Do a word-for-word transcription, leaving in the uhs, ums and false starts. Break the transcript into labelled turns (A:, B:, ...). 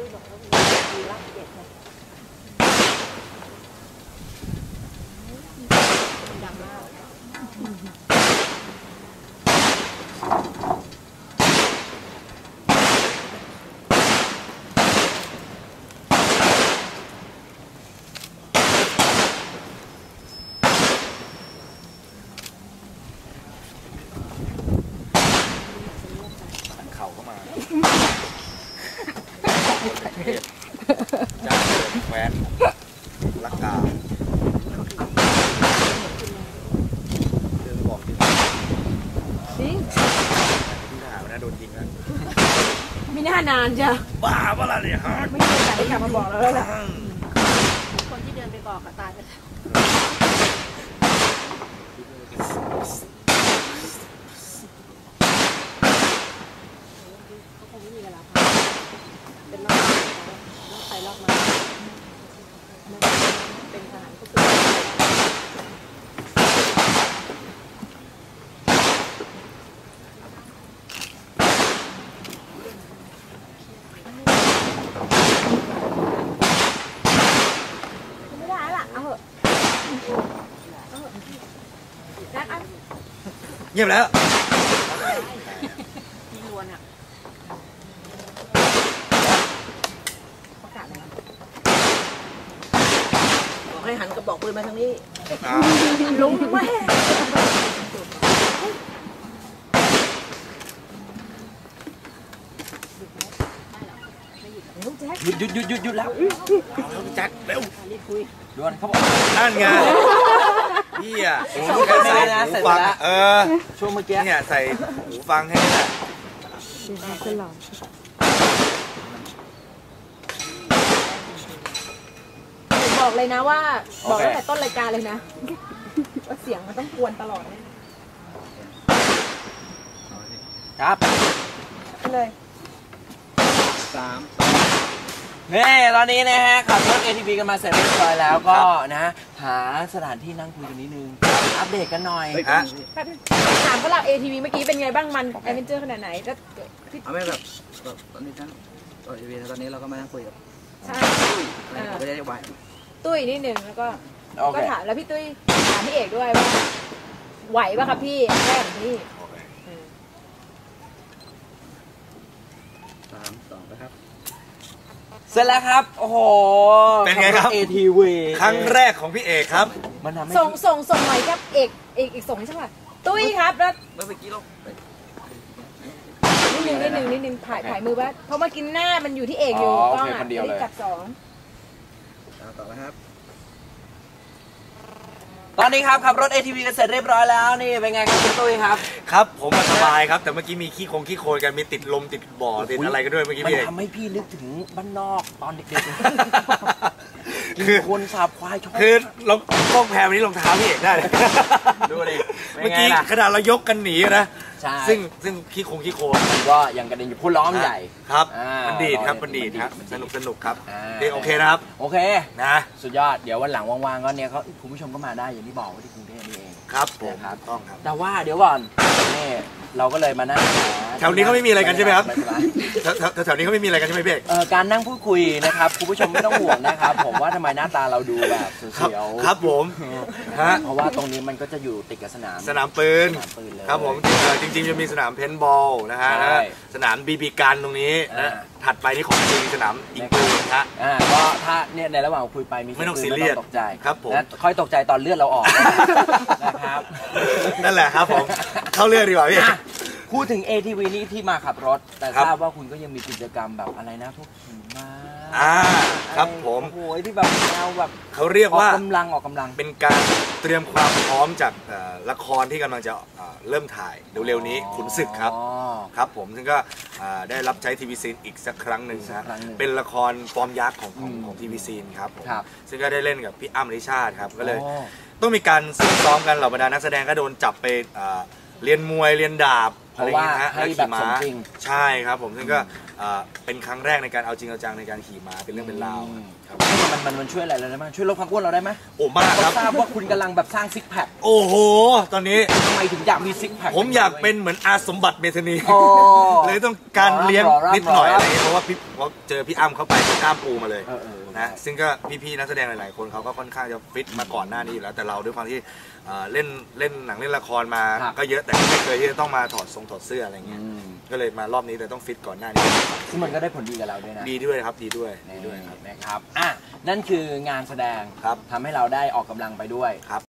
A: ตุ้ยบอกว่ามีรักเด็ดเลยดังมาก
B: เข่าเข้ามาจ้าแควนลักกาเรื่องบอกจริงจริงที่ทหารวันนั้นโดนยิงนะ
A: ไม่น่านานจ้ะ
B: บ้าเปล่าเนี่ยฮะ
A: ไม่เคยแต่ที่กลับมาบอกแล้วแหละคนที่เดินไปบอกก็ตายไปแล้วเขาคงไม่มีเวลาพักเป็นรอบรอบไปรอบมาเป็นทหารก็คือไม่ได้ละเอาเหอะเอาเหอะนัดอัน
B: เงียบแล้ว
A: ยิงลวนอ่ะประกาศเลยบอกให้หันกระบอกปืนมาทางนี้ลุงแม่
B: หยุดหยุดหยุดหยุดหยุดแล้วแจ็คเร็วดวนเขาบอกนั่นไงพี่อ่ะใส่หูฟังเออช่วงเมื่อกี้เนี่ยใส่หูฟังให้แหละ
A: บอกเลยนะว่าบอกตั้งแต่ต้นรายการเลยนะว่าเสียงมันต้องกวนตลอด
B: ครับ
A: เลย
B: สามนี่ตอนนี้นะฮะขับรถ เอ ที วี กันมาเสร็จเรียบร้อยแล้วก็นะหาสถานที่นั่งคุยกันนิดนึงอัปเดตกันหน่อยฮะ
A: ถามเขาเรา เอ ที วี เมื่อกี้เป็นไงบ้างมันแอดเวนเจอร์ขนาดไหนก็
C: เอาไม่แบบตอนนี้ทั้งตอนนี้ตอนนี้เราก็มานั่งคุยกับ
A: ใช่
C: ไม่ได้ไหว
A: ตุ้ยนิดนึงแล้วก็ก็ถามแล้วพี่ตุ้ยถามพี่เอกด้วยว่าไหวป่ะครับพี่แม่ของพี่
C: สามสองนะครับ
B: เสร็จแล้วครับโอ้โหเป็นไงครับ เอ ที วี ครั้งแรกของพี่เอกครับ
A: มันทำให้ส่งส่งส่งหน่อยครับเอกเอกอีกส่งให้ช่างหน่อยตุ้ยครับแล้ว
C: เมื่อกี้ลง
A: นิดนึงนิดนึงนิดนึงถ่ายถ่ายมือว่าเพราะเมื่อกี้หน้ามันอยู่ที่เอกอยู่กล้องอ่ะไม่ได้จับสอง
C: ต่อแล้วครับ
B: ตอนนี้ครับขับรถ เอ ที วี กันเสร็จเรียบร้อยแล้วนี่เป็นไงครับคุณตุ้ยครับครับผมสบายครับแต่เมื่อกี้มีขี้คงขี้โคลนกันมีติดลมติดบ่อติดอะไรกันด้วยเมื่อกี้พี่มันทำให้พี่นึกถึงบ้านนอกตอนเด็กๆคือคนสาบควายชอบคือลองกล้องแพรวันนี้รองเท้าพี่เอกได้ดูดิเมื่อกี้ขนาดเรายกกันหนีนะซึ่งซึ่งขี้คงขี้โคลนก็ยังกระเด็นอยู่พุ่นล้อมใหญ่ครับมันดีครับมันดีครับสนุกสนุกครับโอเคนะครับโอเคนะสุดยอดเดี๋ยววันหลังว่างๆก็เนี่ยเขาคุณผู้ชมก็มาได้อย่างที่บอกว่าที่กรุงเทพนี่เองครับผมครับต้องครับแต่ว่าเดี๋ยวก่อนนี่เราก็เลยมานั่งแถวนี้เขาไม่มีอะไรกันใช่ไหมครับแถวนี้เขาไม่มีอะไรกันใช่ไหมพี่เออการนั่งพูดคุยนะครับคุณผู้ชมไม่ต้องห่วงนะครับผมว่าทำไมหน้าตาเราดูแบบเสียวครับผมฮะเพราะว่าตรงนี้มันก็จะอยู่ติดกับสนามสนามปืนครับผมจริงๆจะมีสนามเพนบอลนะฮะสนามบีบีกันตรงนี้นะถัดไปนี่ของจริงสนามยิงปืนนะฮะก็ถ้าเนี่ยในระหว่างคุยไปมีไม่ต้องซีเรียสตกใจครับผมค่อยตกใจตอนเลือดเราออกนะครับนั่นแหละครับผมเข้าเรื่องดีกว่าพี่พูดถึง เอ ที วี นี่ที่มาขับรถแต่ทราบว่าคุณก็ยังมีกิจกรรมแบบอะไรนะพวกขี่ม้าอ่าครับผมโอ้ยที่แบบแนวแบบเขาเรียกว่ากำลังออกกำลังเป็นการเตรียมความพร้อมจากละครที่กำลังจะเริ่มถ่ายเร็วๆนี้ขุนศึกครับครับผมซึ่งก็ได้รับใช้ทีวีซีนอีกสักครั้งหนึ่งนะเป็นละครฟอร์มยักษ์ของของทีวีซีนครับผมซึ่งก็ได้เล่นกับพี่อ้ำริชาติครับก็เลยต้องมีการซ้อมซ้อมกันเหล่าบรรดานักแสดงก็โดนจับไปเรียนมวยเรียนดาบอะไรอย่างเงี้ยฮะแล้วขี่ม้าใช่ครับผมซึ่งก็อ่าเป็นครั้งแรกในการเอาจริงเอาจังในการขี่ม้าเป็นเรื่องเป็นราวครับ
D: มันมันมันช่วยอะไรเราได้ไหมช่วยลดความอ้วนเราได้ไหม
B: โอ้มากครับ
D: ทราบว่าคุณกำลังแบบสร้างซิกแพค
B: โอ้โหตอนนี้
D: ทำไมถึงอยากมีซิกแพค
B: ผมอยากเป็นเหมือนอาสมบัติเมธานี
D: โอ้
B: เลยต้องการเลี้ยง
D: รอรับ
B: นิดหน่อย
D: รอรับ
B: อะไรเงี้ยเพราะว่าพี่เพราะเจอพี่อ้ำเข้าไปเป็นกล้ามปูมาเลย
D: เออเออ
B: นะซึ่งก็พี่ๆนักแสดงหลายๆคนเขาก็ค่อนข้างจะฟิตมาก่อนหน้านี้อยู่แล้วแต่เราด้วยความที่เอ่อเล่นเล่นหนังเล่นละครมา
D: ครับ
B: ก็เยอะแต่ก็ไม่เคยที่จะต้องมาถอดทรงถอดเสื้ออะไรเงี้ย
D: อืม
B: ก็เลยมารอบนี้เลยต้องฟิตก่อนหน้านี้
D: ซึ่งมันก็ได้ผลดีกับเราด้วยนะ
B: ดีด้วยครับดีด้วยดี
D: นี่
B: ด้วยครับ
D: นะครับอ่ะนั่นคืองานแสดง
B: ครับ
D: ทำให้เราได้ออกกำลังไปด้วย
B: ครับ